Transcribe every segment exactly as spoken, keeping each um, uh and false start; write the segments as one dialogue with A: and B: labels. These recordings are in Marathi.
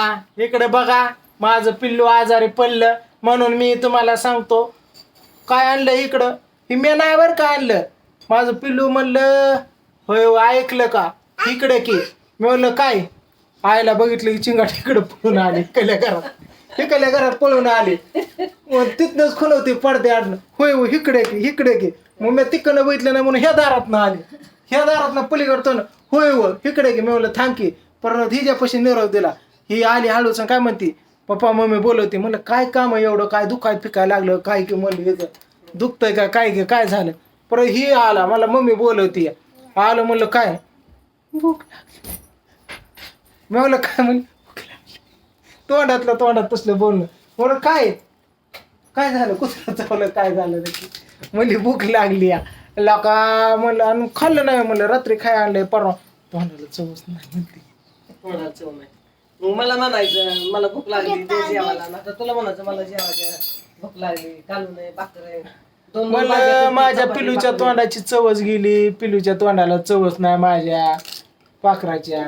A: इकडे बघा, माझं पिल्लू आजारी पडलं म्हणून मी तुम्हाला सांगतो. काय आणलं इकडं? ही मी नाही बरं का आणलं. माझं पिल्लू म्हणलं होय ऐकलं का इकडे की. मी म्हणलं काय? आईला बघितलं की चिंगाट इकडे पळून आले इकडल्या घरात इकडल्या घरात पळून आले. मग तिथनंच खुलवते पडदे आडणं. होय हो इकडे की इकडे की. मग मी तिकडनं बघितलं नाही म्हणून ह्या दारातनं आले. ह्या दारातनं पलीकडतो ना. होय हो इकडे की. मी म्हणलं थांब की. परत हिच्यापाशी निरोप दिला. ही आली हळूच काय म्हणते पप्पा मम्मी बोलवते. म्हणलं काय काम आहे एवढं? काय दुखाय फिकायला लागलं काय की? म्हणलं दुखतंय का काय की काय झालं? परत ही आला मला मम्मी बोलवते. आलं म्हणलं काय? भूक लागली. मी म्हणलं काय म्हणलं भूक लागली. तोंडातलं तोंडात तसलं बोलणं. म्हणलं काय काय झालं? कुठं चावलं काय झालं नक्की? म्हणली भूक लागली या लाका. म्हणलं आणि खाल्लं नाही. म्हणलं रात्री खाय आणलंय परवा. तोंडाला चवच नाही म्हणते.
B: तोंडाला चव नाही. मग मला म्हणायचं मला भूक लागली ते जेवायला. आता तुला म्हणायचं मला जेवायला भूक लागली. कालू नाही भाकर आहे.
A: मला माझ्या पिलूच्या तोंडाची चवच गेली. पिलूच्या तोंडाला चवच नाही माझ्या पाखराच्या.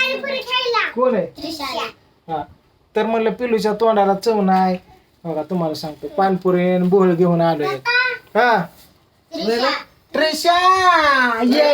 A: कोण आहे? हा तर म्हणलं पिलूच्या तोंडाला चव नाही. बघा तुम्हाला सांगतो पानपुरी बोळ घेऊन आलोय. हा ट्रेशा ये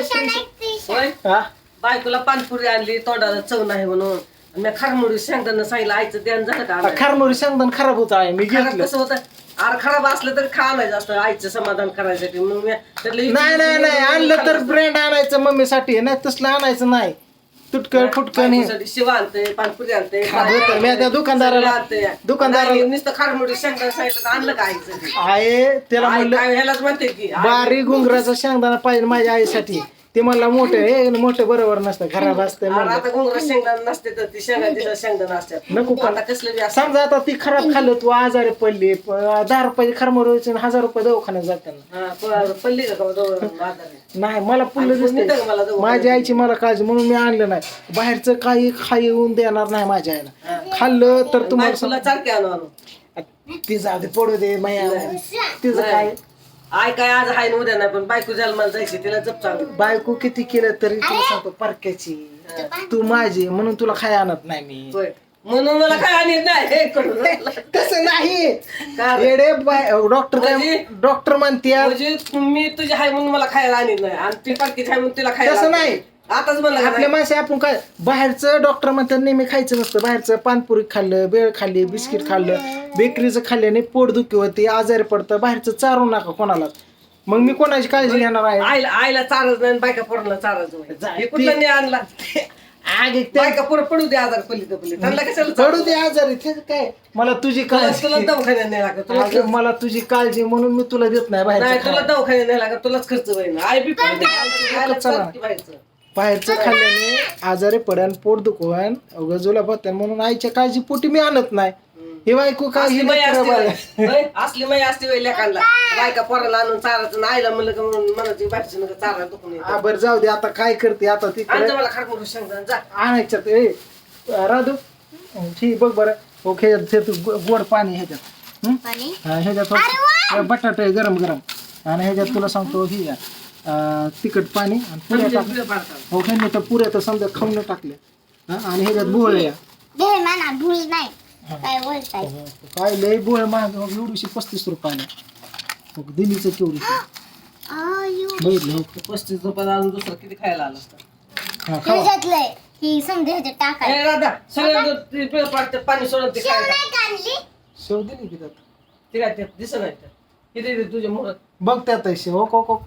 A: हा
B: बायकोला पानपुरी आणली तोंडाला चव नाही म्हणून. मी खारमुडी शेंगदाणा सांगितलं आईचं ध्यान झालं का?
A: खारमुरी शेंगदाण खराब होत आहे. मी घेतलं
B: कसं होतं आर खराब असलं तर खा आणायचं असतं आईचं समाधान करायसाठी. मग मी त्यातलं
A: नाही नाही नाही आणलं तर ब्रँड आणायचं मम्मीसाठी. नाही तसलं आणायचं नाही. तुटकं फुटकं
B: बायकोसाठी शिवा आणते पानपुरी आणते
A: मी त्या दुकानदाराला दुकानदाराला
B: नुसतं खारमुडी शेंगदाणा सांगितलं तर आणलं का आईचं?
A: आहे त्याला म्हणलं
B: ह्यालाच म्हणते की
A: बारीक घुंगराचा शेंगदाणा पाहिजे माझ्या आईसाठी. ते म्हणला मोठे हे मोठे बरोबर नसतं खराब असतं.
B: आता घुंगरा शेंगदाणा नसते तर ती शेंगा शेंगदाणा असतात.
A: नको का
B: आता कसलं बी असं
A: समजा आता ती खराब खाल्लं तू आजारी पडली दहा रुपयाची खरमर व्हायची हजार रुपये दवाखान्यात जाताना.
B: हा, प- पडली का का जवळ आजारी?
A: नाही मला पुल्लं
B: आणि पुण्य
A: दिसतंय.
B: तर मला दवाखान्यात.
A: माझ्या आईची मला काळजी म्हणून मी आणलं नाही. बाहेरचं काही खाऊन देणार नाही माझ्या आईला. खाल्लं तर तुम्हाला
B: तुला चारके आणू आणू
A: सांग- ती जाऊ दे पडू दे माया तिचं काय
B: आय काय आज हाय न उद्या नाही पण बायको जन्माला जायची तिला जप चांगलं.
A: बायको किती केलं तरी तुला सांगतो परक्याची तू माझी म्हणून तुला खाय आणत नाही मी.
B: होय म्हणून मला काय आणि नाही हे करून
A: तसं नाही
B: का रे?
A: येडे डॉक्टर काय
B: म्हणजे-
A: डॉक्टर म्हणते
B: म्हणजे मी तुझी हाय म्हणून मला खायला आणत नाही आणि ती पारखीची हाय म्हणून तिला खायला
A: तसं
B: आणते.
A: नाही.
B: आताच म्हणलं का
A: आपल्या
B: नाही?
A: माणसं आपण काय बाहेरचं डॉक्टर म्हणतात नेहमी खायचं नसतं. बाहेरचं पानपुरी खाल्लं बेळ खाल्ली बिस्किट खाल्लं बेकरीचं खाल्ल्याने पोटदुखी होते आजारी पडतं. बाहेरचं चारू नका कोणाला. मग मी कोणाची काळजी घेणार आहे?
B: आईला आईला चारच नाही आणि बायका पोराला चारच नाही. हे कुठलं नाही आणला
A: आग एक ते
B: बायका पोरं पडू दे आजार पल्ली तर पल्ली त्यांना कशाला
A: पडू दे आजारी ते काय मला तुझी
B: तुला
A: काळजी
B: तुला दवाखान्यात नाही लागत तुला
A: अगं, मला तुझी काळजी म्हणून मी तुला देत नाही
B: नाही
A: बाहेरचं
B: तुला
A: खायला.
B: दवाखान्यात नाही लागत तुलाच खर्च होईल. आई बी पडते आईला
A: चला.
B: चालते बाहेरचं.
A: बाहेरचं खाल्ल्याने आजारी पडन पोट दुखवान जुलाब होत्या म्हणून आईच्या काळजी पोटी मी आणत नाही. हे बायको काय
B: असली
A: ही
B: माई
A: लेकरं
B: असते
A: बाळ.
B: बाई. होय, असली माई असते बाई लेकांना बायका पोराला आणून चारायचं आणि आईला म्हणलं का म्हणून म्हणायची बाहेरची नका चारा दुखून येतं.
A: हा बरं जाऊ दे आता काय करते आता ती
B: आणजा मला खारमुडू शेंगदाणा जा.
A: आणायचं ते राधू ठीक बघ बरं ओके ते तू गो- गोड पाणी ह्याच्यात हं? हा, ह्याच्यात थोडं बटाटे गरम गरम आणि ह्याच्यात तुला सांगतो ही घ्या, अं, तिखट पाणी आणि पुऱ्या टाक.
B: बिळं पाडतात.
A: हो ह्यांनी तर पुऱ्या तर समजा खाऊन टाकल्या हा, आणि ह्याच्यात बोळ्या
C: भूल नाही काय बोलताय.
A: काय लय बोळ महाग एवढीशी पस्तीस रुपयाला हो, दिल्लीचं केवढी बघितलं हो.
B: पस्तीस रुपयाला आणून दुसरं किती खायला आलं असतं.
A: हा खावा
C: ह्याच्यातलंय ही समजा ह्याच्यात टाकाय.
B: ए राधा सगळं ते बिळं पाडतात पाणी सोडून ते
C: शेव
B: खायला.
C: नाही काढली.
A: शेव दिली की त्यात
B: ते काय ते दिसत नाही ते. किती ते तुझ्या मुळात
A: बघ त्यात आहे शेव हो हो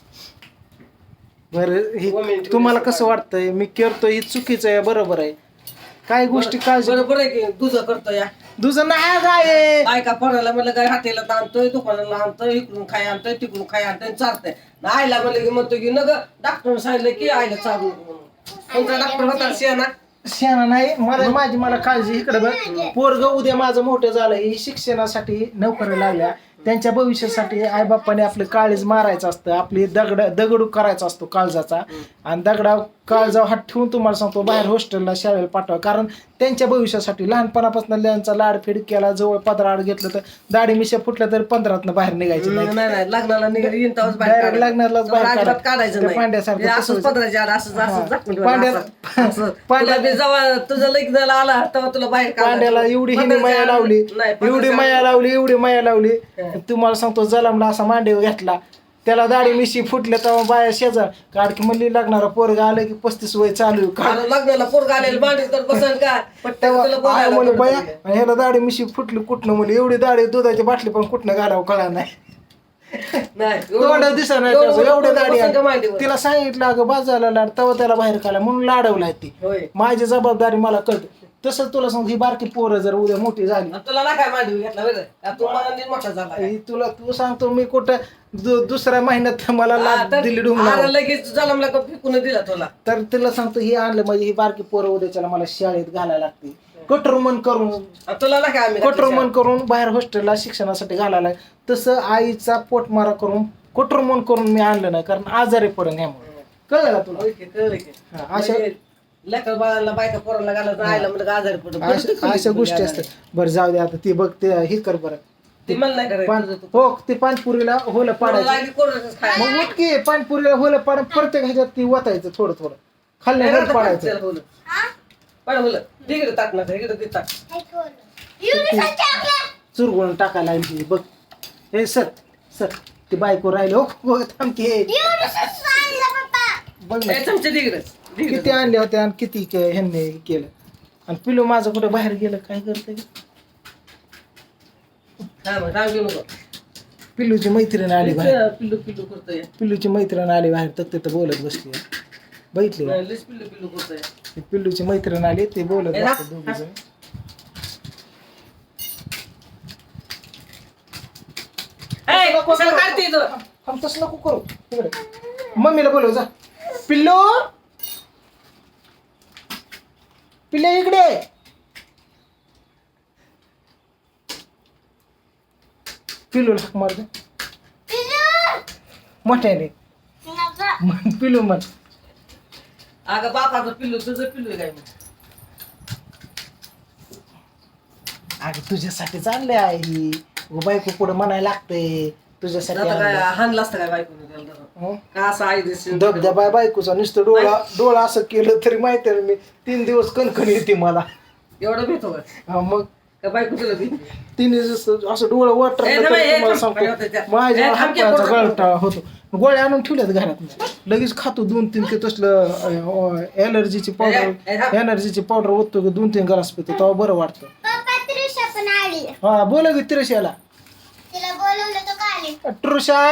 A: बरं हे तुम्हाला कसं वाटतंय मी करतोय हे चुकीचं आहे बरोबर आहे काय गोष्टी काळजी
B: बरोबर आहे की तुझं करतो या
A: तुझं नाही काय
B: बायका पोराला म्हणलं काय हाटेला आणतोय दुकानाला आणतोय इकडून खाय आणतोय तिकडून खाय आणतोय चालतंय ना आईला म्हणलं की म्हणतो की नग डॉक्टर सांगितलं की आईला चालू नको म्हणून. कोणता डॉक्टर होता शियाना
A: शेणा नाही मला माझी मला काळजी इकडे बघ पोरग उद्या माझं मोठं झालं ही शिक्षणासाठी नोकरी लागल्या त्यांच्या भविष्यासाठी आई बाप्पाने आपलं काळीज मारायचं असतं आपली दगड दगडू करायचा असतो काळजाचा आणि दगडा काळजा हात ठेवून तुम्हाला सांगतो बाहेर हॉस्टेलला शाळेला पाठवा कारण त्यांच्या भविष्यासाठी लहानपणापासून त्यांचा लाडफेड केला, जवळ पदराड घेतलं तर दाढी मिशा फुटल्या तर पंधरातनं बाहेर निघायची नाही.
B: नाही नाही लग्नाला निघाली येईन तेव्हाच बाहेर
A: Direct
B: काढायचं.
A: लग्नालाच बाहेर
B: अजिबात
A: काढायचं.
B: काढायचं
A: त्या
B: नाही
A: पांड्यासारखं
B: हे असंच
A: तसंच.
B: पदराच्या आड असंच असंच झाकून ठेवायचं.
A: पांड्याला-
B: असं- असं.
A: पांड्या-
B: तुला बी जेव्हा तुझं लग्नाला आला तेव्हा तुला बाहेर काढायचं.
A: पांड्याला एवढी हिने
B: पदराच्या
A: माया
B: आड-
A: लावली
B: नाही,
A: एवढी
B: पदराच्या
A: माया
B: आड-
A: लावली एवढी माया लावली तुम्हाला सांगतो जलमला असा मांडीव घेतला त्याला दाढी मिशी फुटल्या तेव्हा बाया शेजार काढकी म्हणली लागणारा पोरगा आलं की पस्तीस वय चालू आहे. का
B: अरे लग्नाला पोरगा आलेलं मांडी तर बसन का पण
A: तेव्हा
B: तुला
A: आय
B: बोलायला
A: म्हणे
B: नको
A: बया
B: तरी.
A: आणि ह्याला दाढी मिशी फुटली कुठनं म्हणली एवढी दाढी दुधाची बाटली पण कुठनं घालावं कळा नाही
B: नाही
A: तोंड दिसा नाही
B: एवढं-
A: त्याचं, एवढं दाढी
B: बसन का
A: आहे.
B: मांडीवर?
A: तिला सांगितलं अगं बाजायला लाड तेव्हा त्याला बाहेर काढला म्हणून लाडवलाय ती
B: होय
A: माझी जबाबदारी मला कळते तसं तुला सांगतो ही बारकी पोरं जर उद्या मोठी झाली
B: आणि तुला ना काय मांडी घेतला बरं का तू मला नीट मोठा झाला
A: ही तुला तू सांगतो मी कुठं दु- दुसऱ्या महिन्यात मला
B: हा,
A: लाभ
B: तर-
A: दिली डुंगला
B: अरे लगेच जलमला का फेकून दिला तुला
A: तर तिला सांगतो ही आणलं म्हणजे ही बारकी पोरं उद्याच्याला मला शाळेत घालायला लागते कठोर मन करून
B: आणि तुला ना काय आम्ही
A: कठोर मन करून बाहेर हॉस्टेलला शिक्षणासाठी घालायला तसं आईचा पोटमारा करून कठोर मन करून मी आणलं नाही कारण आजारी पडून यामुळे कळलं का तुला
B: होय की, कळलं की.
A: हा, अशा
B: म्हणजे लेकर बाळाला बायका पोराला घालत आयला म्हणजे आजारी पडतो
A: अशा अशा गोष्टी असतात बरं जाऊ दे आता ती बघ ते हे कर बरं
B: ती मला नाही करायचं
A: पान
B: तुझं तू.
A: हो ते पानपुरीला होलं पाडायचं
B: लागली कोरडंच खायला.
A: मग उठकी पानपुरीला होलं पाड प्रत्येक ह्याच्यात ती वतायचं थोडं थोडं खाल्ल्या
B: नाही,
A: वर
B: आता
A: पाडायचं
B: पाडचं होलं. पाड होलं. तिकडे टाक ना इकडे ते टाक
A: चुरगुळून टाकायला लागली ती. बघ हे सर सर ती बायको राहिली हो हो, थांब की हे. बघ ना
B: ए, चमचे तिकडे
A: किती आणले होते आणि किती के- ह्यांनी केलं आणि पिलू माझं कुठे बाहेर गेलं काय करते
B: हा मग राग घेऊ नको
A: पिल्लूची मैत्रीण आली बाहेर
B: पिल्लू पिल्लू करतोय
A: पिल्लूची मैत्रीण आली बाहेर तर तिथं बोलत बसली बघितली का?
B: नाही, लयच पिल्लू पिल्लू करतोय
A: ती पिल्लूची मैत्रीण आली ते बोलत
B: ए,
A: बसतात
B: हा,
A: दोघी जण.
B: ए,
A: नको
B: कशाला
A: करू.
B: काढते इथं?
A: थांब, तसं नको करू तिकडे मम्मीला बोलव जा पिल्लू पिल्ले इकडे पिल्लू हाक मार दे मोठ्याने म्हण, पिल्लू म्हण
B: अगं बापाचं पिल्लू तुझं पिल्लू आहे काय मग?
A: अगं तुझ्यासाठी चालले आहे ही बायको पुढे म्हणायला लागते तुझ्यासाठी
B: आता काय
A: आणलंय.
B: हाणलं असतं काय बायकोने त्याला धरून?
A: हं?
B: का असं आई दिसते
A: धबधबा बायकोचा नुसतं डोळा डोळा असं केलं तरी माहिती आहे मी तीन दिवस कणकण येते मला
B: एवढं भेटतो का
A: हा, मग
B: का बायको तुला भीती?
A: तीन दिवस असं डोळं वाटर
B: ए, थांब, ए,
A: तुम्हाला
B: थांब.
A: सांगतो माझ्या
B: ए, थांब की,
A: हाताचा
B: पोरं.
A: गळटा होतो गोळ्या आणून ठेवल्यात घरात लगेच खातो दोन तीन ते तसलं एलर्जीची
B: ए, ए,
A: पावडर
B: थांब.
A: एनर्जीची पावडर ओततो की दोन तीन ग्लास पितो तेव्हा बरं वाटतं
C: पण आली
A: हा बोला की तिरशाला
C: तिला बोलवलं तो का आली
A: ट्रुशा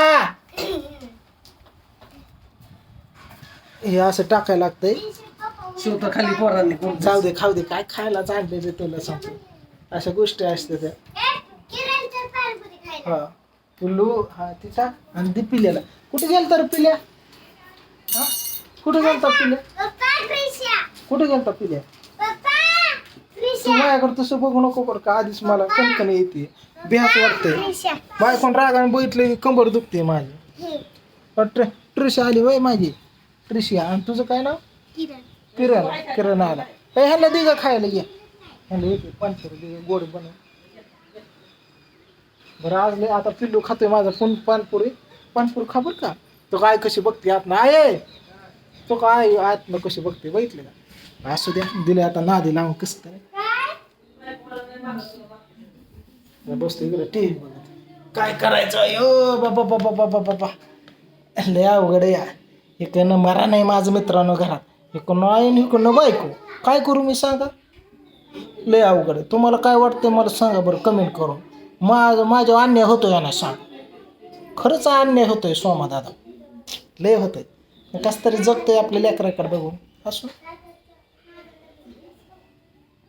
A: हे असं टाकायला लागतंय
B: शिवतं खाली पोरांनी कोण
A: जाऊ दे खाऊ दे काय खायला आणले ते तुला सांगतो अशा गोष्टी असते त्या
C: किरणच्या पाणपुरी खायला
A: हा पिल्लू हा तिचा आणि ती पिल्याला कुठे गेलता रे पिल्या हा कुठे गेलता पिल्या
C: पप्पा प्रिशा
A: कुठे गेलता पिल्या
C: पप्पा
A: तू
C: प्रिशा
A: माझ्याकडे तसं बघू नको बरं का आधीच मला कणकण येते भ्यास वाटते
C: प्रिशा
A: बायकोन रागाने बघितलं की कंबर दुखते माझी ट्र ट्रिशा आली वय माझी ट्रिशिया आणि तुझं काय नाव
C: किरण
A: किरण किरण आला ए ह्याला दे ग खायला घ्या ह्याला येते पानसर दे ग, गोड बनव बरं आज लय आता पिल्लू खातोय माझा पण पानपुरी पानपुरी खा बरं का तो काय कशी बघते आत ना आहे तो काय आत ना कशी बघते बघितले का असू द्या दिले आता नादी लावून कसं तरी बसतो इकडे टी व्ही बघत काय करायचं अयो बाबा बाबा बाबा बाबा लय अवघड आहे या इकडनं मरा नाही माझं मित्रांनो घरात इकडनं आहे आणि इकडनं बायको काय करू मी सांगा लय अवघड आहे तुम्हाला काय वाटतं मला सांगा बरं कमेंट करून माझं माझ्या अन्याय होतोय यांना सांग खरंच अन्याय होतोय सोमा दादा लय होतोय कसं तरी जगतोय आपल्या लेकराकडे बघून असं